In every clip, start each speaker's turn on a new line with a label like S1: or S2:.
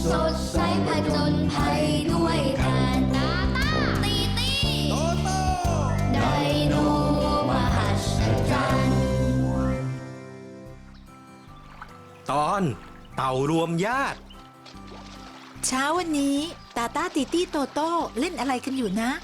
S1: สดใสผจญภัยด้วยกันตาตาตีตีโตโตไดโนมหัศจรรย์
S2: ตอนเต่ารวมญาติ
S3: เช้าวันนี้ตาตาติตี้โตโต้เล่นอะไรกันอยู่นะ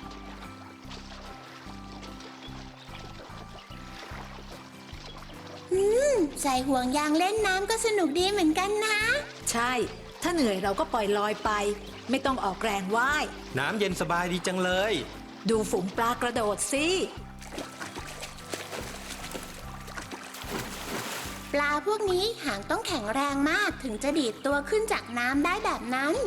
S4: ใส่ห่วงยางเล่นน้ำก็สนุกดีเหมือนกันนะ
S3: ใช่ถ้าเหนื่อยเราก็ปล่อยลอยไปไม่ต้องออกแรงว่าย
S2: น้ำเย็นสบายดีจังเลย
S3: ดูฝูงปลากระโดดสิ
S4: ปลาพวกนี้หางต้องแข็งแรงมากถึงจะดีดตัวขึ้นจากน้ำได้แบบนั้น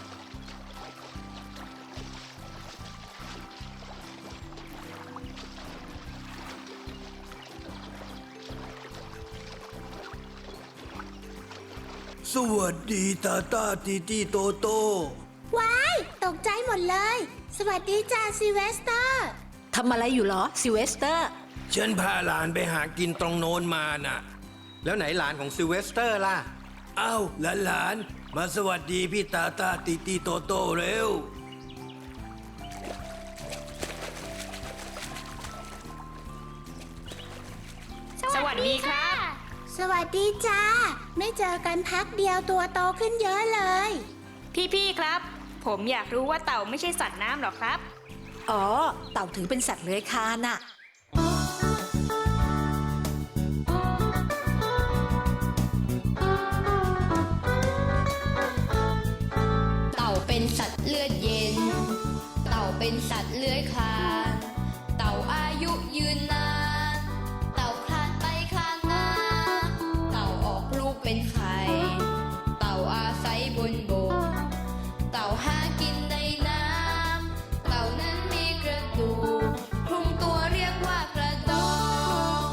S5: สวัสดีตาตาตีตีโตโต้
S4: ว้ายตกใจหมดเลยสวัสดีจ้าซิเวสเตอร์
S3: ทำอะไรอยู่หรอซิเวสเตอร์
S5: ฉันพาหลานไปหากินตรงโน้นมาน่ะ
S2: แล้วไหนหลานของซิลเวสเตอร์ล่ะ
S5: อ้าวหลานมาสวัสดีพี่ตาตาตีตีโตโต้เร็ว
S6: สวัสดีครับ
S4: สวัสดีจ้าไม่เจอกันพักเดียวตัวโตขึ้นเยอะเลย
S6: พี่ครับผมอยากรู้ว่าเต่าไม่ใช่สัตว์น้ำหรอครับ
S3: อ๋อเต่าถือเป็นสัตว์เลื้อยคลานน่ะ
S1: เต่าเป็นสัตว์เลือดเย็นเต่าเป็นสัตว์เลื้อยคลานเต่าอายุยืนนานเต่าคลานไปคลานมาเต่าออกลูกเป็นไข่เต่าอาศัยบนบกเต่าหากินในน้ำเต่านั้นมีกระดูกคลุมตัวเรียกว่ากระดอง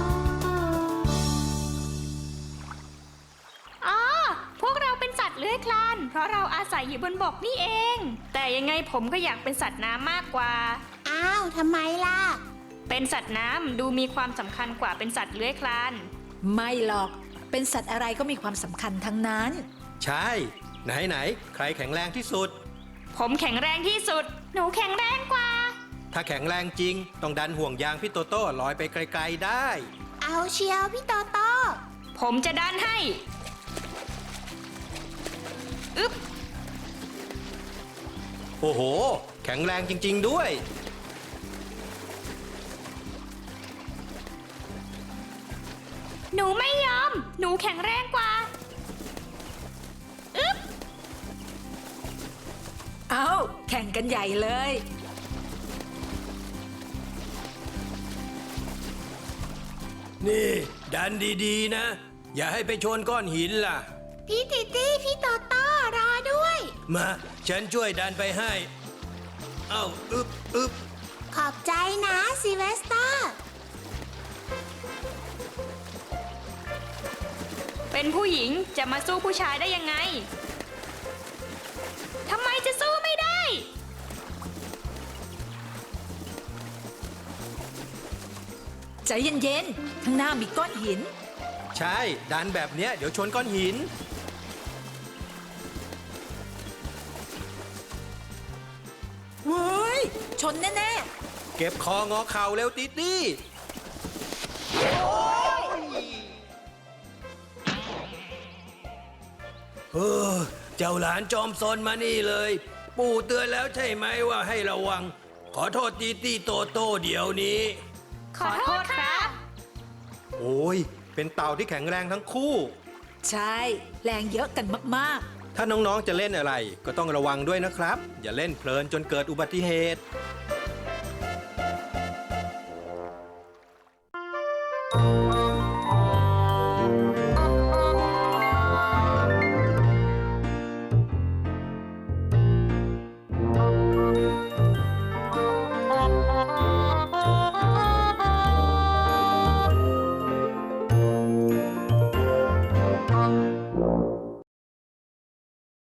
S6: อ๋อพวกเราเป็นสัตว์เลื้อยคลานเพราะเราอาศัยอยู่บนบกนี่เองแต่ยังไงผมก็อยากเป็นสัตว์น้ำมากกว่า
S4: อ้าวทำไมล่ะ
S6: เป็นสัตว์น้ำดูมีความสำคัญกว่าเป็นสัตว์เลื้อยคลาน
S3: ไม่หรอกเป็นสัตว์อะไรก็มีความสำคัญทั้งนั้น
S2: ใช่ไหนใครแข็งแรงที่สุด
S6: ผมแข็งแรงที่สุดหนูแข็งแรงกว่า
S2: ถ้าแข็งแรงจริงต้องดันห่วงยางพี่โตโต้ลอยไปไกลๆได้
S4: เอาเชียวพี่โตโต้
S6: ผมจะดันให้อึ๊บ
S2: โอ้โหแข็งแรงจริงๆด้วย
S6: หนูไม่ยอมหนูแข็งแรงกว่าอึ๊บ
S3: เอาแข่งกันใหญ่เลย
S5: นี่ดันดีๆนะอย่าให้ไปชนก้อนหินล่ะ
S4: พี่ติตี้พี่โตโต้รอด้วย
S5: มาฉันช่วยดันไปให้เอ้าอึบ
S4: ขอบใจนะซิเวสเตอร์
S6: เป็นผู้หญิงจะมาสู้ผู้ชายได้ยังไงทำไมจะสู้ไม่ได้
S3: ใจเย็นๆข้างหน้ามีก้อนหิน
S2: ใช่ดันแบบเนี้ยเดี๋ยวชนก้อนหิน
S3: เว้ยชนแน่
S2: ๆเก็บคองอเข่าเร็วติตี้
S5: เจ้าหลานจอมซนมานี่เลยปู่เตือนแล้วใช่ไหมว่าให้ระวังขอโทษตีตี้โตโต้เดี๋ยวนี้
S6: ขอโทษครับ
S2: โอ้ยเป็นเต่าที่แข็งแรงทั้งคู่
S3: ใช่แรงเยอะกันมาก
S2: ๆถ้าน้องๆจะเล่นอะไรก็ต้องระวังด้วยนะครับอย่าเล่นเพลินจนเกิดอุบัติเหตุ